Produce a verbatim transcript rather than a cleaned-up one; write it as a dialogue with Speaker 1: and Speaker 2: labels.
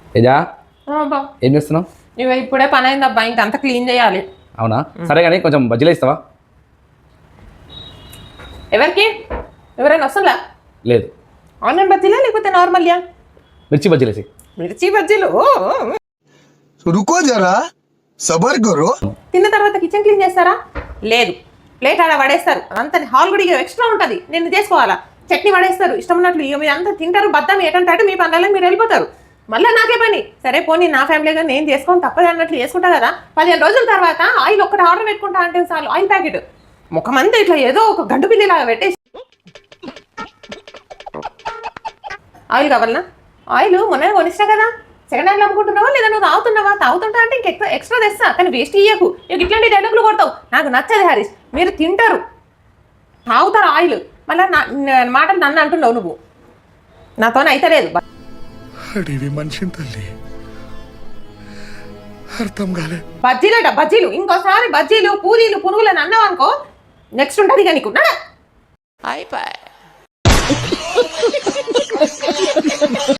Speaker 1: ఏజా ఏం చేస్తున్నావు?
Speaker 2: ఇవ ఇప్పుడే పని అయింది అబ్బా, ఇంకంతా క్లీన్ చేయాలి.
Speaker 1: అవునా, సరే కానీ కొంచెం బజ్జీలు ఇస్తావా?
Speaker 2: ఎవరికి? ఎవరైనా వస్తుందా?
Speaker 1: లేదు.
Speaker 2: ఆనియన్ బజ్జీలా లేకపోతే నార్మల్యా?
Speaker 1: మిర్చి బజ్జీలు వేసి.
Speaker 2: మిర్చి బజ్జీలు?
Speaker 3: రుకో జరా, సబర్ కరో.
Speaker 2: తిన్న తర్వాత కిచెన్ క్లీన్ చేస్తారా? లేదు, ప్లేట్ ఆడ పడేస్తారు. అంత హాల్ కూడా ఎక్స్ట్రా ఉంటుంది, నేను చేసుకోవాలా. చట్నీ పడేస్తారు ఇష్టం ఉన్నట్లు. ఇక మీరు అంతా తింటారు, బద్దం ఏటంటే మీ పనులలో మీరు వెళ్ళిపోతారు. మళ్ళీ నాకే పని. సరే పోనీ నా ఫ్యామిలీగా నేను చేసుకొని తప్పదు అన్నట్లు చేసుకుంటా కదా. పదిహేను రోజుల తర్వాత ఆయిల్ ఒక్కటి ఆర్డర్ పెట్టుకుంటా అంటే చాలు, ఆయిల్ ప్యాకెట్ ముఖమంతా ఇట్లా ఏదో ఒక గంటు పిల్లిలాగా పెట్టేసి. ఆయిల్ కావాలనా? ఆయిల్ మొన్న కొనిస్తా కదా, సెకండ్ హ్యాండ్ అమ్ముకుంటున్నావా లేదా నువ్వు తాగుతున్నావా? తాగుతుంటా అంటే ఇంక ఎక్స్ట్రా ఎక్స్ట్రా తెస్తా, కానీ వేస్ట్ ఇయ్యకు. ఇక ఇట్లాంటి డైలాగులు కొడతావు, నాకు నచ్చదు హరీష్. మీరు తింటారు, తాగుతారు ఆయిల్, మళ్ళీ నా మాటలు నన్ను అంటున్నావు నువ్వు. నాతో అయితే లేదు.
Speaker 3: అడివి మనిషిని తల్లి అర్థం కాలే.
Speaker 2: బజ్జీలట బజ్జీలు, ఇంకోసారి బజ్జీలు పూరీలు పునుగులు అని అన్నావు అనుకో, నెక్స్ట్ ఉంటుంది ఇక నీకు. అయిపోయి